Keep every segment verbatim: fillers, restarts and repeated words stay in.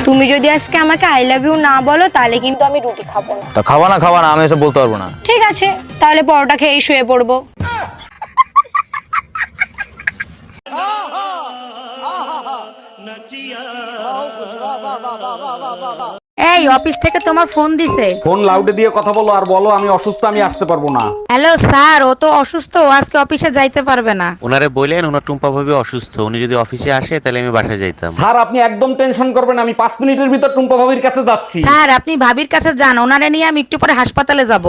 তুমি যদি আজকে আমাকে আই লাভ ইউ না বলো তাহলে কিন্তু আমি রুটি খাবো না। তা খাওয়া না খাওয়া না আমি এসব বলতে পারবো না। ঠিক আছে, তাহলে পরোটা খেয়েই শুয়ে পড়বো। এই অফিস থেকে তোমার ফোন দিছে। ফোন লাউডে দিয়ে কথা বলো আর বলো আমি অসুস্থ, আমি আসতে পারবো না। হ্যালো স্যার, ও তো অসুস্থ, ও আজকে অফিসে যাইতে পারবে না। ওনারে বললেন ওনার টুম্পা ভাবি অসুস্থ, উনি যদি অফিসে আসে তাহলে আমি বাসায় যাইতাম। স্যার আপনি একদম টেনশন করবেন না, আমি পাঁচ মিনিটের ভিতর টুম্পা ভাবির কাছে যাচ্ছি। স্যার আপনি ভাবির কাছে যান, ওনারে নিয়ে আমি একটু পরে হাসপাতালে যাব।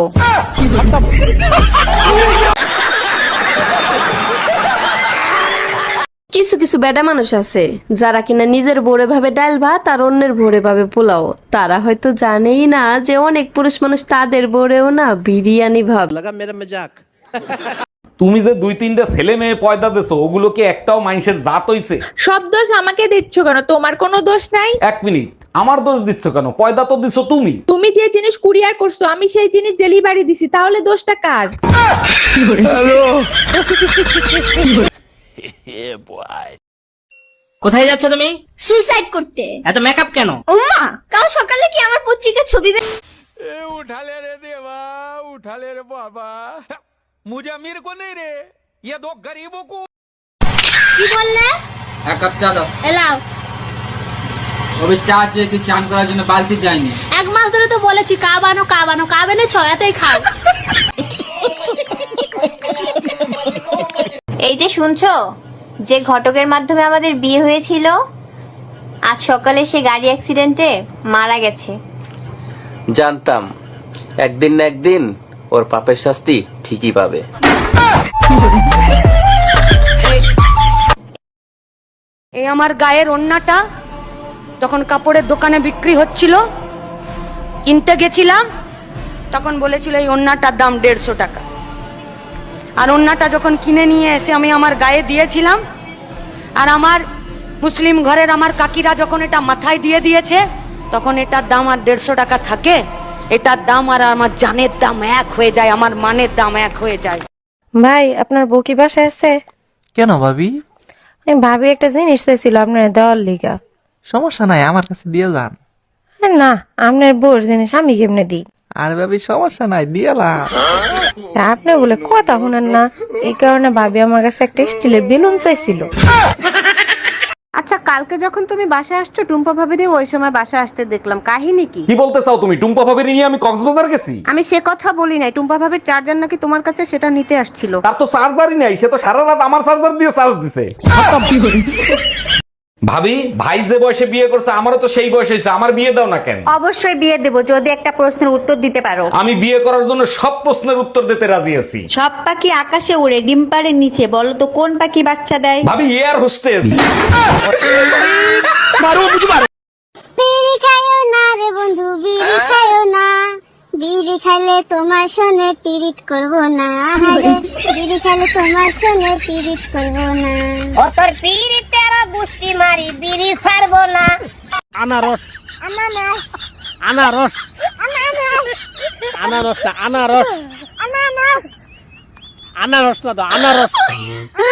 কিছু কিছু বেডা মানুষ আছে যারা কিনা নিজের ভোরে ভাবে ডাল ভাত আর অন্যের ভোরে ভাবে পোলাও। তারা হয়তো জানেই না যে অনেক পুরুষ মানুষ তাদের ভোরেও না বিরিয়ানি ভাব। তুমি যে দুই তিনটা ছেলে মেয়ে পয়দা দেছো ওগুলো কি একটাও মানুষের জাত হইছে? সব দোষ আমাকে দিচ্ছ কেন? তোমার কোনো দোষ নাই। এক মিনিট, আমার দোষ দিচ্ছ কেন? পয়দা তো দিছো তুমি। তুমি যে জিনিস কুরিয়ার করছো আমি সেই জিনিস ডেলিভারি দিছি, তাহলে দোষটা কার? কোথায় যাচ্ছ তুমি? সুইসাইড করতে। এত মেকআপ কেন? ওমা, কাল সকালে কি আমার পত্রিকার ছবি বে- उठाले रे देवा, उठाले रे बाबा, मुझे अमीर को नहीं रे, ये दो गरीबों को। কি বললে? এক কাপ চা দাও। এলাও। ওই চা চেয়েছি, চান করার জন্য বালতি যায়নি। এক মাস ধরে তো বলেছি কা বানো কা বানো, কা বেনে ছয়াতেই খাও। এই যে শুনছো, যে ঘটকের মাধ্যমে আমাদের বিয়ে হয়েছিল আজ সকালে সে গাড়ি অ্যাক্সিডেন্টে মারা গেছে। জানতাম একদিন না একদিন ওর পাপের শাস্তি ঠিকই পাবে। এই আমার গায়ের ওন্নাটা যখন কাপড়ের দোকানে বিক্রি হচ্ছিল, কিনতে গেছিলাম, তখন বলেছিল এই ওন্নাটার দাম দেড়শো টাকা। আর ওন্নাটা যখন কিনে নিয়ে এসে আমি আমার গায়ে দিয়েছিলাম, আর আমার মুসলিম ঘরের আমার কাকিরা যখন এটা মাথায় দিয়ে দিয়েছে, তখন এটার দাম আর দেড়শো টাকা থাকে? এটার দাম আর আমার জানের দাম এক হয়ে যায়, আমার মানের দাম এক হয়ে যায়। ভাই, আপনার বউ কি বাসায় আছে? কেন ভাবি? আমি ভাবি একটা জিনিস চাইছিল আপনার দেওয়ার লিগা। সমস্যা নাই, আমার কাছে দিয়ে যান। না, আপনার বউর জিনিস আমি কেমনে দিই? আর ভাবি সমস্যা নাই, দিয়ালাম। আপনি বলে কথা শুনেন না, এই কারণে ভাবি আমার কাছে একটা স্টিলের বেলুন চাইছিল। আচ্ছা, কালকে যখন তুমি বাসায় আসছো টুম্পা ভাবিরে ওই সময় বাসায় আসতে দেখলাম, কাহিনী কি? কি বলতে চাও তুমি? টুম্পা ভাবির নিয়ে আমি কক্সবাজার গেছি? আমি সে কথা বলি নাই, টুম্পা ভাবির চার্জার নাকি তোমার কাছে, সেটা নিতে আসছিল। তার তো চার্জারই নাই, সে তো সারা রাত আমার চার্জার দিয়ে চার্জ দিছে। ভাবি, ভাই যে বয়সে বিয়ে করছে আমারও তো সেই বয়স হয়েছে, আমার বিয়ে দাও না কেন? অবশ্যই বিয়ে দেব যদি একটা প্রশ্নের উত্তর দিতে পারো। আমি বিয়ে করার জন্য সব প্রশ্নের উত্তর দিতে রাজি আছি। সব পাখি আকাশে উড়ে, ডিম পাড়ের নিচে, বলো তো কোন পাখি বাচ্চা দেয়? ভাবি, এয়ার হোস্টেস। বিড়ি খাইও না রে বন্ধু, বিড়ি খাইও না, বিড়ি খাইলে তোমার সনে পিরিত করবো না। বিড়ি খাইলে তোমার সনে পিরিত করবো না। ও তোর পিরিতের গুষ্টি মারি, বিড়ি ছাড়বো না। আনারস, আনারস, আনারস, আনারস, আনারস, আনারস, আনারস, আনারস না তো আনারস।